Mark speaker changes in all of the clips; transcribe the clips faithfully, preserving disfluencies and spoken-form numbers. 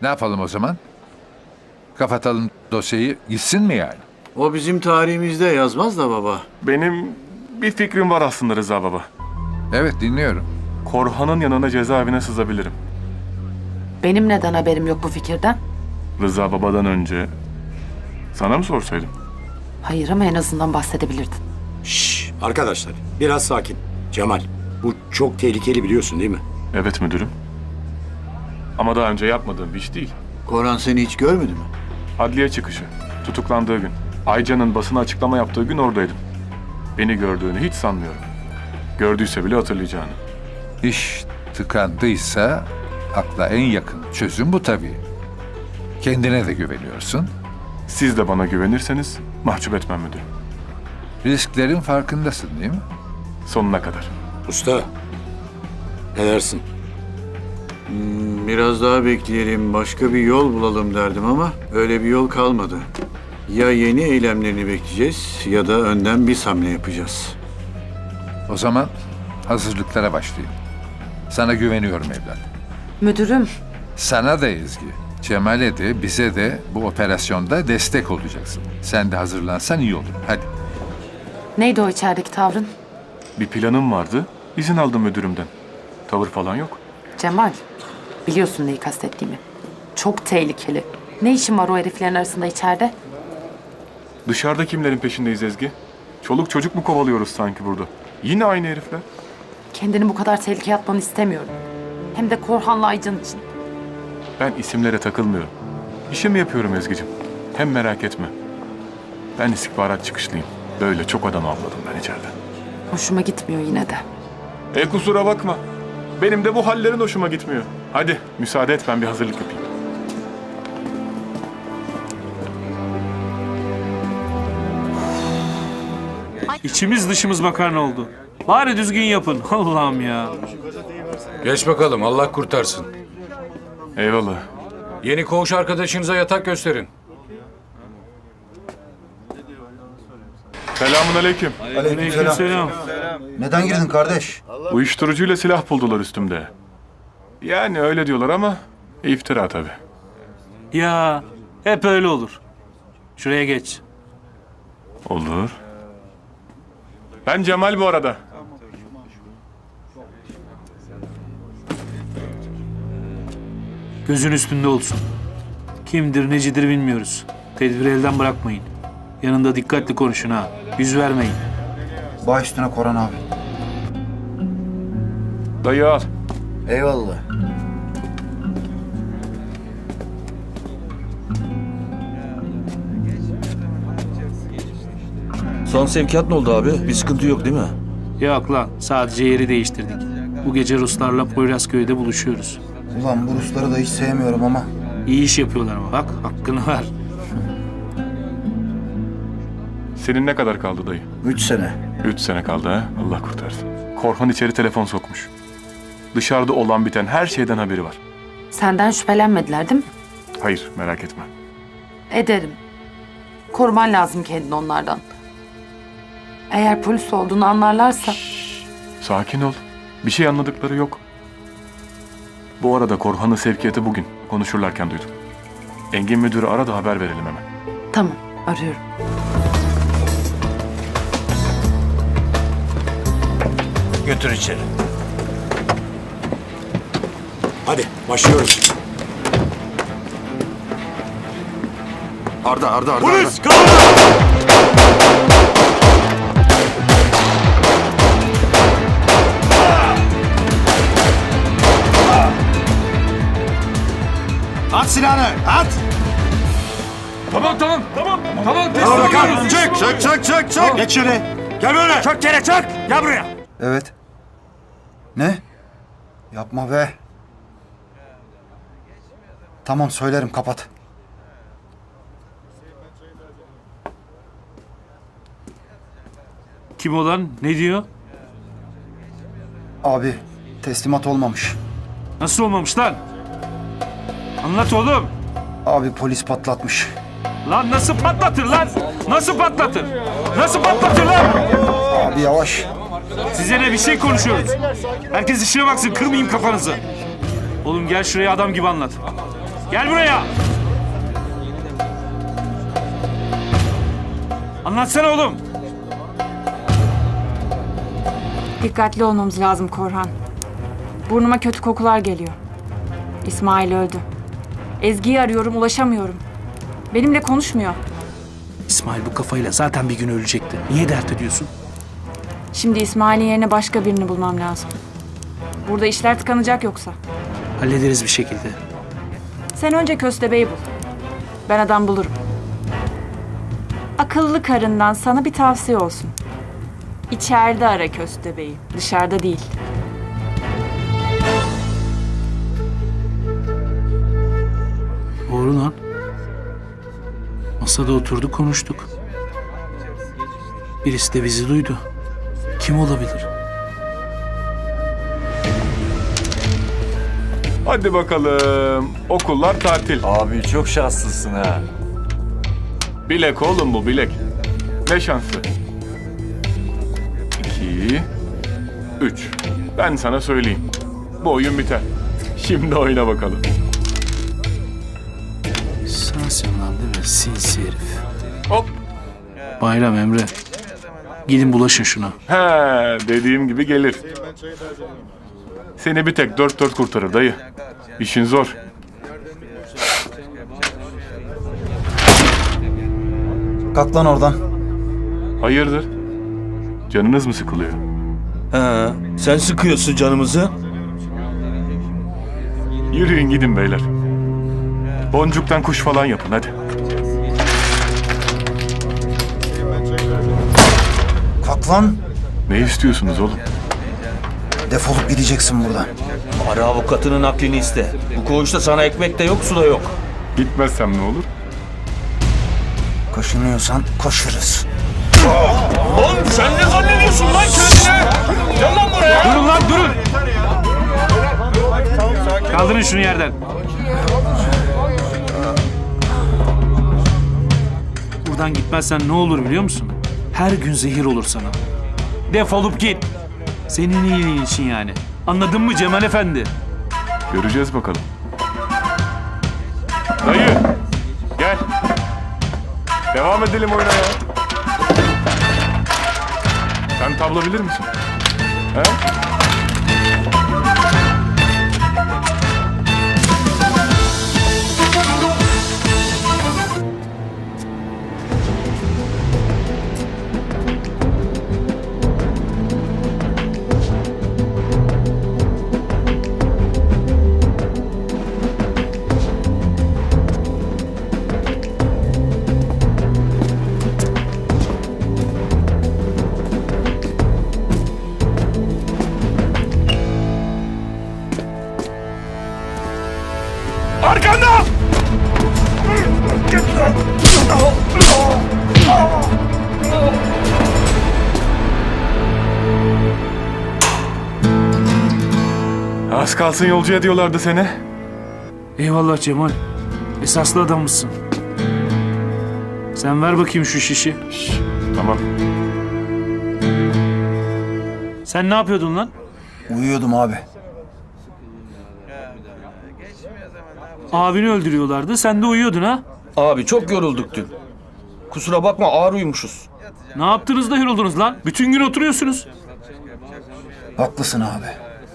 Speaker 1: Ne yapalım o zaman? Kapatalım dosyayı, gitsin mi yani?
Speaker 2: O bizim tarihimizde yazmaz da baba.
Speaker 3: Benim bir fikrim var aslında Rıza baba.
Speaker 1: Evet, dinliyorum.
Speaker 3: Korhan'ın yanına cezaevine sızabilirim.
Speaker 4: Benim neden haberim yok bu fikirden?
Speaker 3: Rıza babadan önce sana mı sorsaydım?
Speaker 4: Hayır ama en azından bahsedebilirdin.
Speaker 5: Şşş arkadaşlar biraz sakin. Cemal bu çok tehlikeli biliyorsun değil mi?
Speaker 3: Evet müdürüm. Ama daha önce yapmadığım bir iş değil.
Speaker 2: Koran seni hiç görmedi mi?
Speaker 3: Adliye çıkışı, tutuklandığı gün. Ayca'nın basına açıklama yaptığı gün oradaydım. Beni gördüğünü hiç sanmıyorum. Gördüyse bile hatırlayacağını.
Speaker 1: İş tıkandıysa akla en yakın çözüm bu tabii. Kendine de güveniyorsun.
Speaker 3: Siz de bana güvenirseniz mahcup etmem müdürüm.
Speaker 1: Risklerin farkındasın değil mi?
Speaker 3: Sonuna kadar.
Speaker 5: Usta ne dersin?
Speaker 2: Biraz daha bekleyelim, başka bir yol bulalım derdim ama öyle bir yol kalmadı. Ya yeni eylemlerini bekleyeceğiz ya da önden bir hamle yapacağız.
Speaker 1: O zaman hazırlıklara başlayayım. Sana güveniyorum evlat.
Speaker 4: Müdürüm,
Speaker 1: Sana da Ezgi, Cemal'e de bize de bu operasyonda destek olacaksın. Sen de hazırlansan iyi olur. Hadi.
Speaker 4: neydi o içerideki tavrın?
Speaker 3: Bir planım vardı, izin aldım müdürümden. Tavır falan yok.
Speaker 4: Cemal, biliyorsun neyi kastettiğimi. Çok tehlikeli. Ne işin var o heriflerin arasında içeride?
Speaker 3: Dışarıda kimlerin peşindeyiz Ezgi? Çoluk çocuk mu kovalıyoruz sanki burada? Yine aynı herifler.
Speaker 4: Kendini bu kadar tehlikeye atmanı istemiyorum. Hem de Korhan'la Aycan için.
Speaker 3: Ben isimlere takılmıyorum. İşimi yapıyorum Ezgi'cim. Hem merak etme. Ben istihbarat çıkışlıyım. Böyle çok adam avladım ben içeride.
Speaker 4: Hoşuma gitmiyor yine de.
Speaker 3: E kusura bakma. Benim de bu hallerin hoşuma gitmiyor. Hadi müsaade et ben bir hazırlık yapayım.
Speaker 6: İçimiz dışımız makarna oldu. Bari düzgün yapın. Allah'ım ya.
Speaker 7: Geç bakalım, Allah kurtarsın.
Speaker 3: Eyvallah.
Speaker 7: Yeni koğuş arkadaşınıza yatak gösterin.
Speaker 3: Selamun aleyküm.
Speaker 6: Aleykümselam.
Speaker 8: Neden girdin kardeş?
Speaker 3: Uyuşturucuyla silah buldular üstümde. Yani öyle diyorlar ama iftira tabii.
Speaker 6: Ya hep öyle olur. Şuraya geç.
Speaker 3: Olur. Ben Cemal bu arada.
Speaker 6: Gözün üstünde olsun. Kimdir necidir bilmiyoruz. Tedbiri elden bırakmayın. Yanında dikkatli konuşun ha. Yüz vermeyin.
Speaker 8: Baş üstüne Koran abi.
Speaker 3: Dayı al.
Speaker 8: Eyvallah.
Speaker 9: Son sevkiyat ne oldu abi? Bir sıkıntı yok değil mi?
Speaker 6: Yok lan sadece yeri değiştirdik. Bu gece Ruslarla Poyrazköy'de buluşuyoruz.
Speaker 8: Ulan bu Rusları da hiç sevmiyorum ama.
Speaker 6: İyi iş yapıyorlar ama bak hakkını ver.
Speaker 3: Senin ne kadar kaldı dayı?
Speaker 8: Üç sene.
Speaker 3: Üç sene kaldı ha. Allah kurtarsın. Korhan içeri telefon sokmuş. Dışarıda olan biten her şeyden haberi var.
Speaker 4: Senden şüphelenmediler değil mi?
Speaker 3: Hayır merak etme.
Speaker 4: Ederim. Koruman lazım kendini onlardan. Eğer polis olduğunu anlarlarsa...
Speaker 3: Sakin ol. Bir şey anladıkları yok. Bu arada Korhan'ın sevkiyatı bugün. Konuşurlarken duydum. Engin müdürü ara da haber verelim hemen.
Speaker 4: Tamam, arıyorum.
Speaker 9: Götür içeri.
Speaker 5: Hadi başlıyoruz.
Speaker 9: Arda, Arda, Arda.
Speaker 5: Polis!
Speaker 8: At silahını, at!
Speaker 3: Tamam tamam tamam. Tamam
Speaker 5: Tamam bakalım. Çık, çık, çık, çık, çık.
Speaker 8: Geç şöyle.
Speaker 5: Gel böyle. Çök yere çök. Gel buraya.
Speaker 8: Evet. Ne? Yapma be. Tamam söylerim, kapat.
Speaker 6: Kim olan ne diyor?
Speaker 8: Abi teslimat olmamış.
Speaker 6: Nasıl olmamış lan? Anlat oğlum.
Speaker 8: Abi polis patlatmış.
Speaker 6: Lan nasıl patlatır lan? Nasıl patlatır? Nasıl patlatır lan?
Speaker 8: Abi yavaş.
Speaker 6: Size ne bir şey konuşuyoruz. Herkes işine baksın kırmayayım kafanızı. Oğlum gel şuraya adam gibi anlat. Gel buraya. Anlatsana oğlum.
Speaker 10: Dikkatli olmamız lazım Korhan. Burnuma kötü kokular geliyor. İsmail öldü. Ezgi'yi arıyorum, ulaşamıyorum. Benimle konuşmuyor.
Speaker 6: İsmail bu kafayla zaten bir gün ölecekti. Niye dert ediyorsun?
Speaker 10: Şimdi İsmail'in yerine başka birini bulmam lazım. Burada işler tıkanacak yoksa.
Speaker 6: Hallederiz bir şekilde.
Speaker 10: Sen önce Köstebeği bul. Ben adam bulurum. Akıllı karından sana bir tavsiye olsun. İçeride ara Köstebeği, dışarıda değil.
Speaker 6: Doğru lan. Masada oturduk konuştuk. Birisi de bizi duydu. Kim olabilir?
Speaker 3: Hadi bakalım. Okullar tatil.
Speaker 9: Abi çok şanslısın ha.
Speaker 3: Bilek oğlum bu bilek. Ne şansı? İki, üç. Ben sana söyleyeyim. Bu oyun biter. Şimdi oyna bakalım.
Speaker 6: Sensin lan değil mi? Sinsi herif.
Speaker 3: Hop.
Speaker 6: Bayram Emre. Gidin bulaşın şuna.
Speaker 3: He, dediğim gibi gelir. Seni bir tek dört dört kurtarır dayı. İşin zor.
Speaker 8: Kalk lan oradan.
Speaker 3: Hayırdır? Canınız mı sıkılıyor?
Speaker 9: He, sen sıkıyorsun canımızı.
Speaker 3: Yürüyün gidin beyler. Boncuktan kuş falan yapın hadi.
Speaker 8: Kalk lan.
Speaker 3: Ne istiyorsunuz oğlum?
Speaker 8: Defolup gideceksin buradan.
Speaker 9: Ara avukatının aklını iste. Bu koğuşta sana ekmek de yok, su da yok.
Speaker 3: Gitmezsem ne olur?
Speaker 8: Kaşınıyorsan koşuruz.
Speaker 9: Oğlum sen ne zannediyorsun lan kendine? Gel lan buraya.
Speaker 6: Durun lan durun. Kaldırın şunu yerden. Buradan gitmezsen ne olur biliyor musun? Her gün zehir olur sana. Defolup git. Senin iyiliğin için yani. Anladın mı Cemal Efendi?
Speaker 3: Göreceğiz bakalım. Dayı, gel. Devam edelim oyuna ya. Sen tablo bilir misin? He? Arkanda! Az kalsın yolcu ediyorlardı seni.
Speaker 6: Eyvallah Cemal. Esaslı adammışsın. Sen ver bakayım şu şişi.
Speaker 3: Şş, tamam.
Speaker 6: Sen ne yapıyordun lan?
Speaker 8: Uyuyordum abi.
Speaker 6: Abini öldürüyorlardı. Sen de uyuyordun ha?
Speaker 9: Abi çok yorulduk dün. Kusura bakma ağır uyumuşuz.
Speaker 6: Ne yaptınız da yoruldunuz lan? Bütün gün oturuyorsunuz.
Speaker 8: Haklısın abi.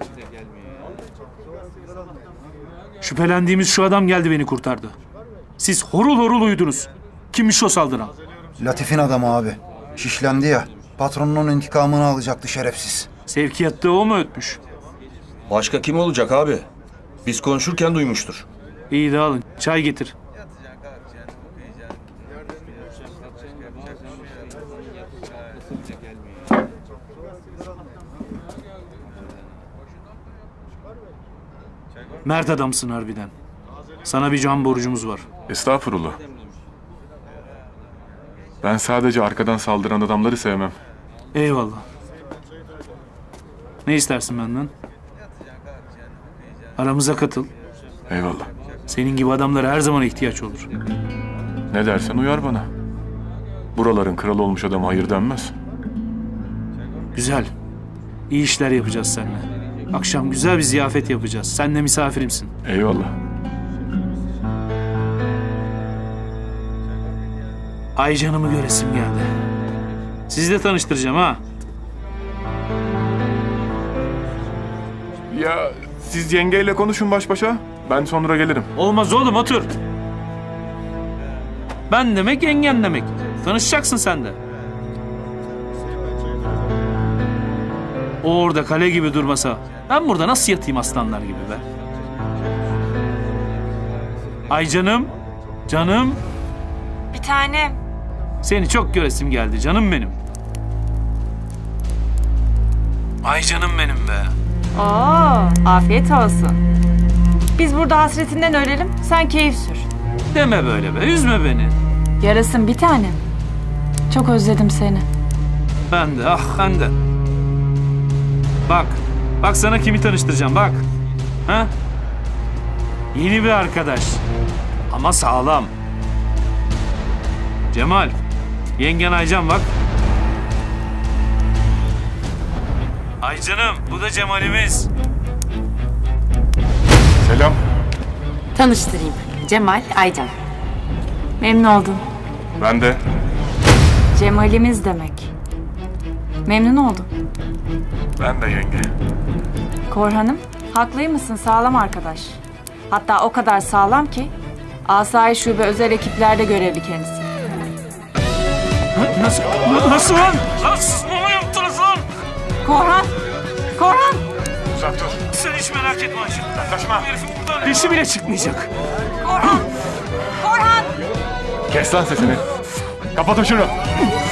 Speaker 6: Şüphelendiğimiz şu adam geldi beni kurtardı. Siz horul horul uyudunuz. Kimmiş o saldıran?
Speaker 8: Latif'in adamı abi. Şişlendi ya. Patronunun intikamını alacaktı şerefsiz.
Speaker 6: Sevkiyatta o mu ötmüş?
Speaker 9: Başka kim olacak abi? Biz konuşurken duymuştur.
Speaker 6: İyi de alın. Çay getir. Mert adamsın harbiden. Sana bir can borcumuz var.
Speaker 3: Estağfurullah. Ben sadece arkadan saldıran adamları sevmem.
Speaker 6: Eyvallah. Ne istersin benden? Aramıza katıl.
Speaker 3: Eyvallah.
Speaker 6: Senin gibi adamlara her zaman ihtiyaç olur.
Speaker 3: Ne dersen uyar bana. Buraların kralı olmuş adama hayır denmez.
Speaker 6: Güzel. İyi işler yapacağız seninle. Akşam güzel bir ziyafet yapacağız. Sen de misafirimsin.
Speaker 3: Eyvallah.
Speaker 6: Aycan'ımı göresim geldi. Sizi de tanıştıracağım ha.
Speaker 3: Ya siz yengeyle konuşun baş başa. Ben sonra gelirim.
Speaker 6: Olmaz oğlum, otur. Ben demek, yengen demek. Tanışacaksın sen de. O orada kale gibi durmasa ben burada nasıl yatayım aslanlar gibi be? Ay canım, canım.
Speaker 10: Bir tanem.
Speaker 6: Seni çok göresim geldi canım benim. Ay canım benim be.
Speaker 10: Oo, afiyet olsun. Biz burada hasretinden ölelim, sen keyif sür.
Speaker 6: Deme böyle be, üzme beni.
Speaker 10: Yarasın bir tanem. Çok özledim seni.
Speaker 6: Ben de, ah ben de. Bak, bak sana kimi tanıştıracağım bak. Ha? Yeni bir arkadaş. Ama sağlam. Cemal, yengen Aycan bak. Aycan'ım, bu da Cemal'imiz.
Speaker 3: Selam.
Speaker 4: Tanıştırayım. Cemal, Aycan.
Speaker 10: Memnun oldum.
Speaker 3: Ben de.
Speaker 10: Cemal'imiz demek. Memnun oldum.
Speaker 3: Ben de yenge.
Speaker 10: Korhan'ım, haklıymışsın, sağlam arkadaş. Hatta o kadar sağlam ki Asayiş Şube özel ekiplerde görevli kendisi.
Speaker 6: Nasıl, nasıl lan? Lan siz mama yaptınız lan?
Speaker 10: Korhan! Korhan!
Speaker 3: Uzak dur.
Speaker 6: Sen hiç merak etme Ayşe.
Speaker 3: Kaçma.
Speaker 6: Herifin buradan dişi bile çıkmayacak.
Speaker 10: Korhan! Korhan!
Speaker 3: Kes lan sesini. Kapatın şunu.